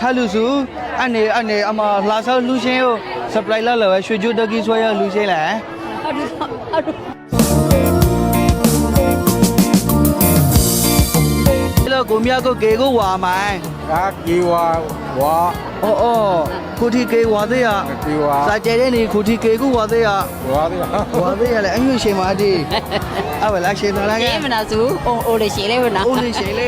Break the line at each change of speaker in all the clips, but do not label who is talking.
လူစုအနေအမလာဆောက်လူချင်းကို supply လာလဲရွှေကျိုးတကီဆွဲရလူချင်းလဲလို့ကိုမြတ်ကိုကေကိုဝါမိုင်း
กีวา
အော်ကိုတီကေဝါသေးရ
กีวา
စာကျဲတဲ့နေကိုတီကေကိုဝါသေးရ
วาดิ
ဝါသေးရလဲအငွေရှင်ပါဒီအဝလာရှင်တော်လာကဲ
မနာစုအိုလေးရှိလေးမနာ
ဦးလေးရှင်လေး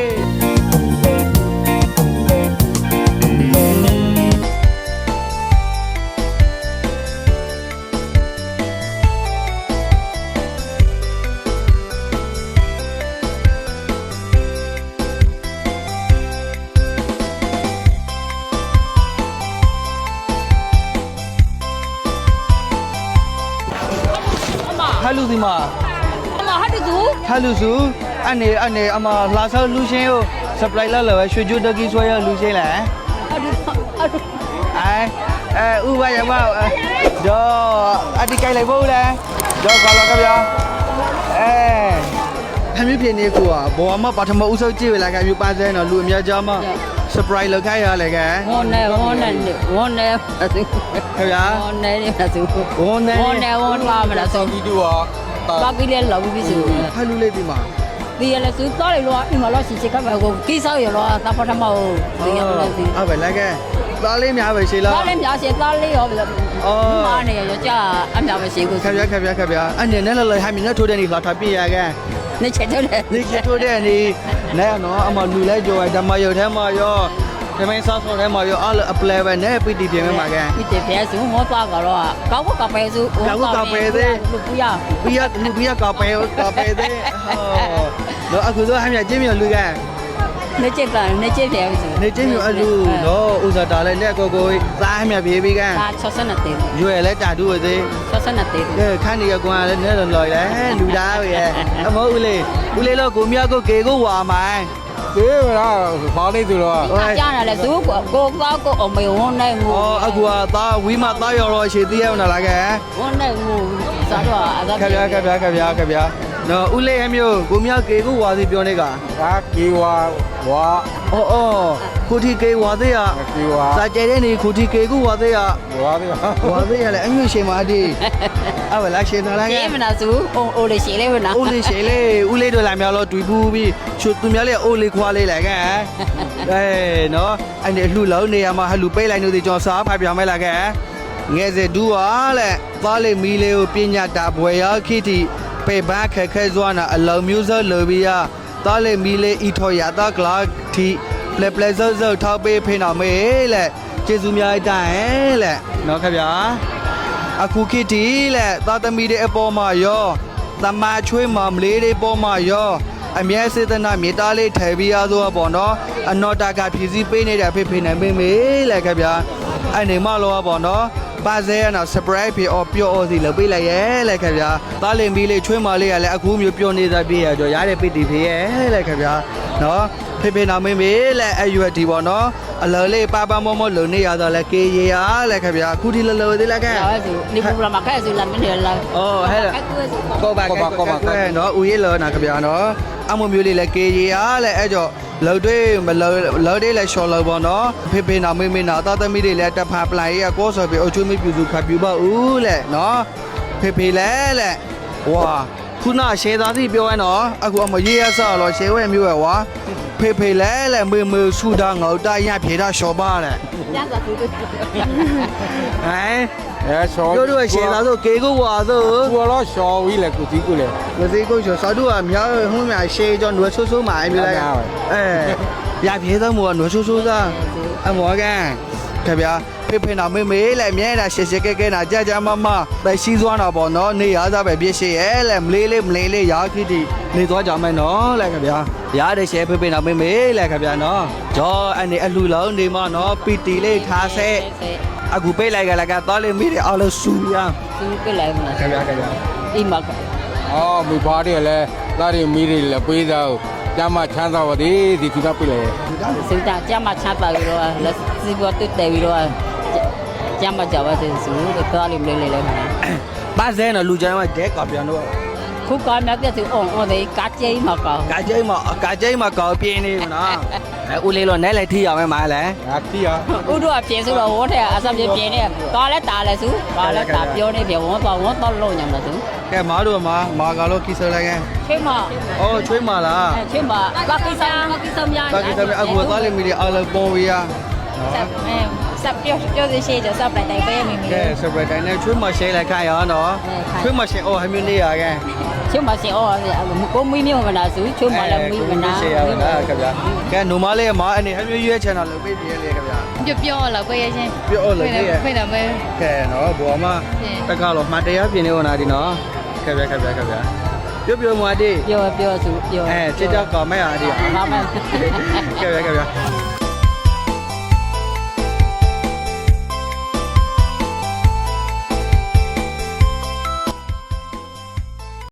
ဟလူဒီမှာ
အမဟာတူ
ဟလူစုအနေအမလာဆောက်လူချင်းကို supply လာလဲရွှေကျိုးတကီဆွဲရလူချင်းလဲ ဥပယမတော့အတိကိုက်လိုက်ဖို့လဲတော့ခေါ်လာကြဗျာဟမ်းမြဖြစ်နေကိုကဘောမပထမဦးဆုံးကြည့်ရလာကမြို့ပါစဲတော့လူအများကြားမှာ surprise လောက်ခိုင်းရလဲကဲ
ဝန်းနေစု
ခင်ဗျာ
ဝန်းနေမနာစု
ဝန်းနေ
ဝန်းပါမနာစု
กีดูอ่ะ
ဘာပြီးလဲလောက်ပြီးစု
ဖလူလေးဒီမှာ
ဒီရလဲစုတော်လေလောအိမ်မလောရှိချက်ကပဲကိုကိဆောက်ရလောသပထမဟုတ်ဒီရမလားစီ
အဲ့ပဲလဲကဲသားလေးများပဲရှိလား
သားလည်းများရှိသားလေးရောမာနေရကြအများပဲရှိကို
ခင်ဗျာအနေနဲ့လည်းဟမ်းမြနဲ့ထိုးတဲ့နေလာထပြရကဲ
နေချက်တယ်
နေချထိုးတဲ့နေနဲ့နော်အမလူလဲကြော်ဓမ္မရုပ်ထဲမှာရောဓမ္မဆောက်ထဲမှာရောအဲ့အပလဲပဲနဲ့ပီတီပြင်မှာကဲ
ဒီတဲ့ဖဲစုမောသွားကတော့ကောက်ကပဲစုလူပူရ
ဘီယာကပဲသေးတော့အခုတော့ဟမ်းမြကျင်းမြလူကနေ
ချက်ဖဲစု
နေကျင်းမြအလူတော့ဥစားတာလဲနဲ့ကိုသားဟမ်းမြပြေးပြီးက
ဒါ62တေး
ရွယ်လဲတာတူသေး
62တေး
ခန်းနေရကွာလဲနဲ့လော်လဲလူသားပဲအမဟုတ်ဦးလေးတော့ကိုမြကိုကေကိုဝါမိုင်း
เก๋ล่ะฟ้านี่ดูล่ะ
ကြားရလဲစုကိုကောက်ကိုအမေဝန်းနိုင်ငူ
အခုကသားဝီမသားရော်တော့ရှည်သေးရအောင်လားကဲ
ဝန်းနိုင်ငူစားတော့အသာ
ခဗျာနော်ဦးလေးအမျိုးကိုမြကေကိုဝါစီပြောနေက
กีวาวา
ကိုတီကေဝါသေးရ
กีวา
စာကျဲတဲ့နေကိုတီကေကိုဝါသေးရ
วาดิ
ဝါသေးရလဲအငွေရှင်ပါဒီအဝလာရှင်တော်လာကဲ
မနာစုအိုလေးရှိလေးမနာ
ဦးလေးရှင်လေးဦးလေးတို့လာမြောက်လို့တွေ့ဘူးပြီးချွတ်သူများလေးအိုးလေးခွာလေးလာကဲနော်အဲ့ဒီလှလုံးနေရမှာဟလူပိတ်လိုက်လို့ဒီကျွန်တော်စားဖပြမဲလာကဲငယ်စဒူးဟာလဲသားလေးမီလေးကိုပညာတာဘွယ်ရခိတိပေဘာခက်ခဲစွာနာအလုံးမျိုးစုံလိုပြီးရသားလေးမီလေးဤထော်ရတာကလာတီပလက်စောစောထောက်ပေးဖိနော်မေးလက်ကျေးဇူးများတိုင်လက်နော်ခင်ဗျာအခုခိတိလက်သားသမီးတွေအပေါ်မှာရောတမချွေးမမလေးတွေပေါ်မှာရောအမြဲစေတနာမြေသားလေးထည့်ပြီးရသောပေါ့နော်အနောတာကဖြည့်စည်းပေးနေတဲ့ဖိနိုင်မေးမေးလက်ခင်ဗျာအဲ့နေမလောပေါ့နော်ပါစဲနော် surprise ဖြစ်အော်ပြောအော်စီလုပ်ပေးလိုက်ရဲလက်ခင်ဗျာသားလင်မီလေးချွေးမလေးကလည်းအခုမျိုးပြောနေတာပြည့်ရကြောရတဲ့ပိတိဖြစ်ရဲလက်ခင်ဗျာနော်ဖေနာမေးမေးလက်အရွက်ဒီပေါ့နော်အလော်လေးပါပါမောမောလုံနေရတော့လက်ကေရရလက်ခင်ဗျာအခုဒီလော်သေးလက်ကဲ
ဒါစုဒီပူလာမခဲစုလာမနေလာ
အော်ဟဲ့ကောပါနော်ဦးရေးလောနာခင်ဗျာနော်အမမျိုးလေးလက်ကေရရလက်အဲ့ကြောလော်တွေမလော်တွေလက်ရှော်လော်ပေါ့နော်ဖေနာမေးမေးနာသားသမီးတွေလက်တက်ဖာပလိုင်ရကောဆိုပြီးအချိုးမပြူစုခပ်ပြူပါဦးလက်နော်ဖေလက်ဝါခုနရှယ်သားစီပြောရနော်အခုအမရေးရဆော်လော်ရှယ်ဝဲမျိုးရဝါဖေလဲမေဆူတာငေါတာရဖြေတာရှော်ပါတဲ့
ညစာစု
ဟမ်
ชอ
တို့တို့ရှယ်သားဆိုကေကိုဝါဆို
กูล่ะชอวีแหละกูตีกูแหละ
မသိကိုချောစာတို့ကမြောက်ဟုံးမြရှေးကြောနွယ်ဆိုးမှာအမျိုးလိုက်ရပြေတော့မောနွယ်ဆိုးသားအမောကန်ခင်ဗျာဖေနာမေလဲမြဲတာရှေကဲနာကြမပဲစီးသွားတာပေါ့နော်နေရသားပဲပြည့်ရှေရဲလဲမလေးရာခိတိနေသွားကြမယ်နော်လဲခင်ဗျာရတဲ့ရှေဖေနာမေလဲခင်ဗျာနော်ဂျောအနေအလှလုံးနေမနော်ပီတီလေးထားဆဲအခုပေးလိုက်ကလည်းကတော့လေမိတယ်အော်လို့စူရ
စုပြလိုက်မလား
ခင်ဗျာ
အိမ်မှာ
อ๋อมีพาดิแหละตาดิมีดิแหละปีดาวจามาချမ်းသာပါသည်ဒီသူကပြလေ
စုတာကြမှာချပါပြီးတော့လက်စီပေါ်တက်တယ်ပြီးတော့ကြမှာကြပါစေစုတော့လေးမလေးလေးမလား
ပါစဲနော်လူချိုင်းမှာဒဲကပြန်တော့
ခုကမြတ်တဲ့သူအော်အော်ဒီကာကျိမှာကော
ကာကျိမှာကောင်းပြင်းနေမလားဦးလေးတော့နဲလိုက်ထိရမယ်မားလဲ
အာတီရ
ဥတို့အပြင်ဆိုတော့ဝတ်ထဲအစပြပြင်းနေသွားလဲတားလဲစုသွားလဲတားပြောနေတယ်ဝန်းတော့လုံးညမှာစု
ကဲမားတို့မာကတော့ကိစ္စလဲကဲ
ချိန်မ
အော်ချွေးမာလား
ချိန်မဘာကိစ္စများ
ကာကိစ္စမအခုသွားလိမ့်မီဒီအားလုံးပေါ်ဝေးရနော်
စပ်ပြောစီရှိကြစပ်လိုက်တိုင်းပဲမိမိ
ကဲစပရက်တိုင်းနဲ့ချွေးမရှဲလိုက်ခိုင်းရနော်ချွေးမရှဲအော်ဟမျိုးနေရကဲ
ချိန်မရှင်အော်ကိုမီမျိုးမနာစုချိန်မလည်းမီမနာ
ရှဲရပါလားခင်ဗျာကဲနိုမလေးမားအနေဟမျိုးရွေးချန်တော်လုပ်ပေးပြလေခင်ဗျာ
ပြောလောက်ပဲရချင်း
ပြောလို့လေ
ဖိတယ်ပဲ
ကဲနော်ဘောမတက်ကတော့မှတရားပြင်နေဟောနာဒီနော်ခင်ဗျာပြောမွားဒီ
ပြောစုပြော
ချစ်တော့ကောင်းမဲ့အားဒီ
ဘာမှ
ကဲ